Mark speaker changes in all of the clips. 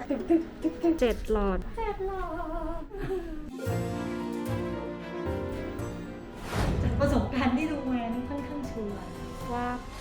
Speaker 1: 7 หลอด
Speaker 2: จากประสบการณ์ที่ดูมานี่ค่อนข้างชัวร์
Speaker 1: ว่า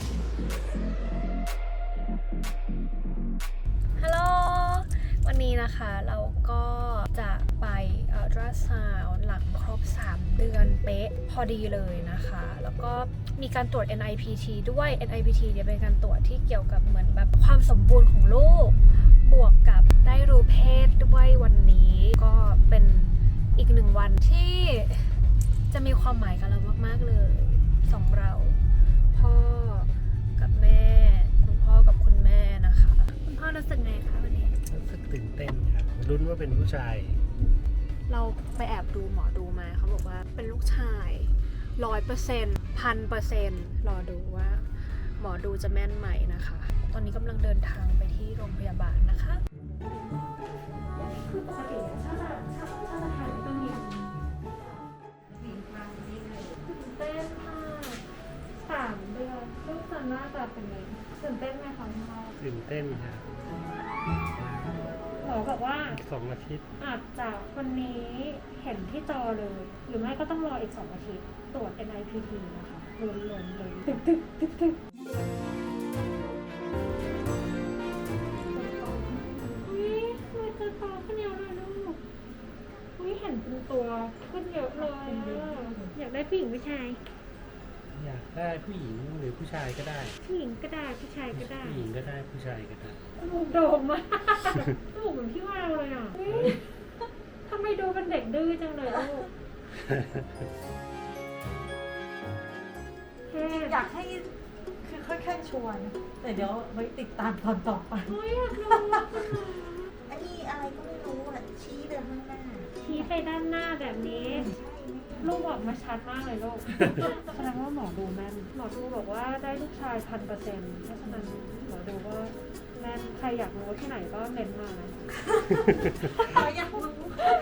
Speaker 1: ฮัลโหล วันนี้นะคะเราก็จะไปอัลตราซาวด์หลังครบ 3 เดือนเป๊ะพอดีเลยนะคะ แล้วก็มีการตรวจ NIPT ด้วย NIPT เนี่ยเป็นการตรวจที่เกี่ยวกับเหมือนแบบความสมบูรณ์ของลูก บวกกับได้รู้เพศด้วยวันนี้ ก็เป็นอีก1 วันที่จะมีความหมายกับเรามากๆเลยสองเราพ่อกับแม่คุณพ่อกับคุณแม่นะคะคุณพ่อรู้สึกไงคะวันนี้
Speaker 3: รู้สึกตื่นเต้นครับลุ้นว่าเป็นผู้ชาย
Speaker 1: เราไปแอบดูหมอดูมาเขาบอกว่าเป็นลูกชาย 100% 1,000%รอดูว่าหมอดูจะแม่นไหมนะคะ ตอนนี้กำลังเดินทางไปที่โรงพยาบาลนะคะคือปกติถ้าจะถ่ายก็มีตื่นเต้นมาก3 เดือนลูกจะหน้าตาเป็นไงตื่นเต้นไหมคะคุณพ่อ
Speaker 3: ตื่นเต้นครับ
Speaker 1: หมอบอกว่า
Speaker 3: อีก2 อาทิตย์
Speaker 1: อาจจะวันนี้เห็นที่จอเลย หรือไม่ก็ต้องรออีก2 อาทิตย์ตรวจ NIPT นะคะล้วนๆเลยตึกอุ๊ยมันจะโตขึ้นเยอะเลยลูกอุ๊ยเห็นเป็นตัวขึ้นเยอะเลยอยากได้ผู้หญิงผู้ชาย
Speaker 3: อยากได้ผู้หญิงหรือผู้ชายก็ได้
Speaker 1: ผู้หญิงก็ได้ผู้ชายก็ได้
Speaker 3: ผู้หญิงก็ได้ผู้ชายก็ได้
Speaker 1: โดมมากลูกเหมือนพี่ว่าวเลยอ่ะทำไมดูเป็นเด็กดื้อจังเลยลูก
Speaker 2: อยากให้คือค่อนข้างชวนแต่เดี๋ยวไว้ติดตามตอนต่อไป
Speaker 1: อยากรู้
Speaker 2: อันนี้อะไรก็ไม่รู้อ่ะชี้ไปข้างหน้า
Speaker 1: ชี้ไปด้านหน้าแบบนี้ลูกออกมาชัดมากเลยลูกแสดงว่าหมอดูแม่นหมอดูบอกว่าได้ลูกชาย 1,000%เพราะฉะนั้นหมอดูว่าแม่นใครอยากรู้ที่ไหนก็เม้นมานะ
Speaker 2: อยากรู้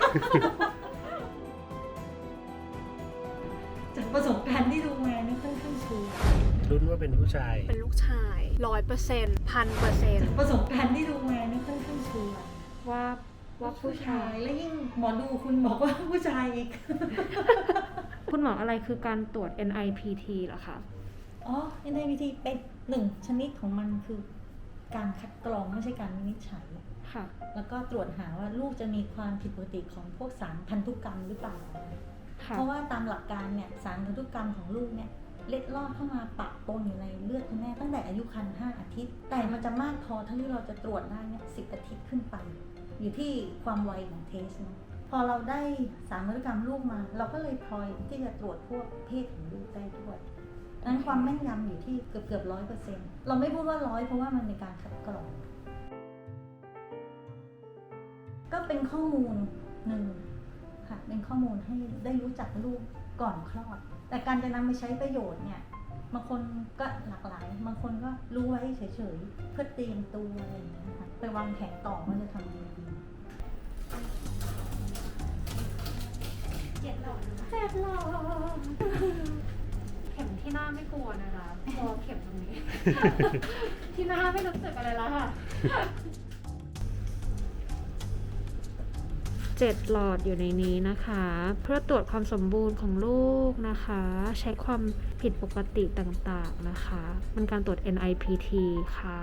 Speaker 2: จากประสบการณ์ที่ดูมานี่ค่อนข้างชัวร์
Speaker 3: ลุ้นว่าเป็นผู้ชาย
Speaker 1: เป็นลูกชาย 100% 1,000%
Speaker 2: จากประสบการณ์ที่ดูมานี่ค่อนข้างชัวร์
Speaker 1: ว่าผู้ชาย
Speaker 2: และยิ่งหมอดูคุณบอกว่าผู้ชายอีก
Speaker 1: คุณหมออะไรคือการตรวจ NIPT เหรอคะ
Speaker 2: อ๋อ NIPT เป็น1 ชนิดของมันคือการคัดกรองไม่ใช่การวินิจฉัย
Speaker 1: ค่ะ
Speaker 2: แล้วก็ตรวจหาว่าลูกจะมีความผิดปกติของพวกสารพันธุกรรมหรือเปล่าเพราะว่าตามหลักการเนี่ยสารพันธุกรรมของลูกเนี่ยเล็ดลอดเข้ามาปะปนอยู่ในเลือดคุณแม่ตั้งแต่อายุครรภ์5 อาทิตย์แต่มันจะมากพอที่เราจะตรวจได้เนี่ย10 อาทิตย์ขึ้นไปอยู่ที่ความไวของเทสนะพอเราได้สารพันธุกรรมลูกมาเราก็เลยพลอยที่จะตรวจพวกเพศของลูกได้ด้วยนั้นความแม่นยำอยู่ที่เกือบ 100%เราไม่พูดว่า100เพราะว่ามันเป็นการคัดกรองก็เป็นข้อมูลหนึ่งค่ะเป็นข้อมูลให้ได้รู้จักลูกก่อนคลอดแต่การจะนำไปใช้ประโยชน์เนี่ยบางคนก็หลากหลายบางคนก็รู้ไว้เฉยๆเพื่อเตรียมตัวอะไรอย่างเงี้ยค่ะไปวางแผนต่อว่าจะทำยังไงดี
Speaker 1: 7 หลอดเข็มที่หน้าไม่กลัวนะคะกลัวเข็มตรงนี้ ที่หน้าไม่รู้สึกอะไรแล้วค่ะ7 หลอดอยู่ในนี้นะคะเพื่อตรวจความสมบูรณ์ของลูกนะคะเช็คความผิดปกติต่างๆนะคะมันการตรวจ NIPT ค่ะ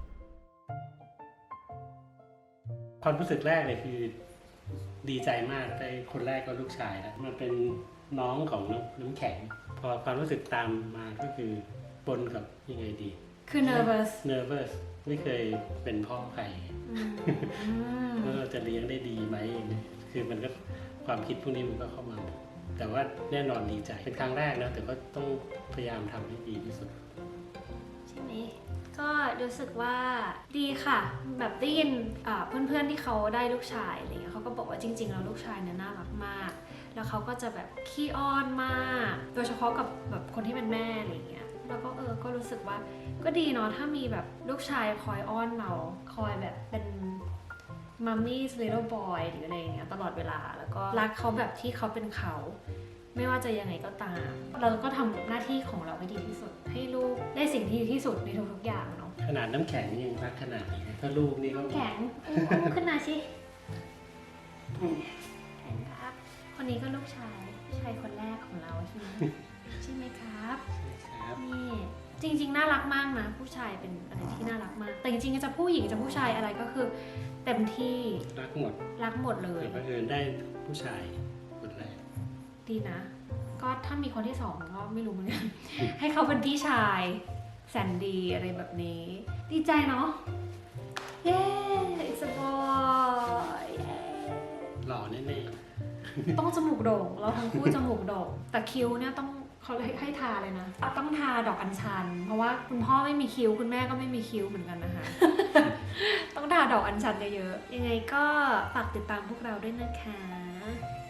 Speaker 3: ความรู้สึกแรกเลยคือดีใจมากได้คนแรกก็ลูกชายแล้วมันเป็นน้องของน้ำแข็งพอความรู้สึกตามมาก็คือปนกับยังไงดี
Speaker 1: คือ nervous
Speaker 3: ไม่เคยเป็นพ่อใครว่าเราจะเลี้ยงได้ดีไหมคือมันก็ความคิดพวกนี้มันก็เข้ามาแต่ว่าแน่นอนดีใจเป็นครั้งแรกนะแต่ก็ต้องพยายามทำให้ดีที่สุด
Speaker 1: ใช่ไหมก็รู้สึกว่าดีค่ะแบบได้ยินเพื่อนๆที่เขาได้ลูกชายอะไรเงี้ยเขาก็บอกว่าจริงๆแล้วลูกชายเนี่ยน่ารักมากแล้วเขาก็จะแบบขี้อ้อนมากโดยเฉพาะกับแบบคนที่เป็นแม่อะไรเงี้ยแล้วก็ก็รู้สึกว่าก็ดีเนาะถ้ามีแบบลูกชายคอยอ้อนเราคอยแบบเป็นMummy's little boy หรืออะไรอย่างเงี้ยตลอดเวลาแล้วก็รักเขาแบบที่เขาเป็นเขาไม่ว่าจะยังไงก็ตามเราก็ทำหน้าที่ของเราให้ดีที่สุดให้ลูกได้สิ่งที่ดีที่สุดในทุกๆอย่างเนาะ
Speaker 3: ขนาดน้ำแข็งยังรักขนาดนี้ถ้าลูกนี่ก็
Speaker 1: แข็งอุ้มขึ้นมาสิแข็งครับ คนนี้ก็ลูกชายคนแรกของเราใช่ไหม ใช่ไหมครับ
Speaker 3: ครับ
Speaker 1: นี่จริงๆน่ารักมากนะผู้ชายเป็นอะไรที่น่ารักมาก แต่จริงๆจะผู้หญิงจะผู้ชายอะไรก็คือเต็มที่
Speaker 3: รักหมด
Speaker 1: รักหมดเลย
Speaker 3: แต่บังเอิญได้ผู้ชายคนแรก
Speaker 1: ดีนะ ก็ถ้ามีคนที่สองก็ไม่รู้เหมือนกัน ให้เขาเป็นพี่ชายแสนดีอะไรแบบนี้ ดีใจเนาะเย้ it's a boy เย้
Speaker 3: หล่อแน่
Speaker 1: ต้องจมูกโด่งเราทั้งคู่จมูกโด่งแต่คิ้วเนี่ยต้องเขาให้ทาเลยนะต้องทาดอกอัญชัน เพราะว่าคุณพ่อไม่มีคิ้วคุณแม่ก็ไม่มีคิ้วเหมือนกันนะคะ ต้องทาดอกอัญชันเยอะๆยังไงก็ฝากติดตามพวกเราด้วยนะคะ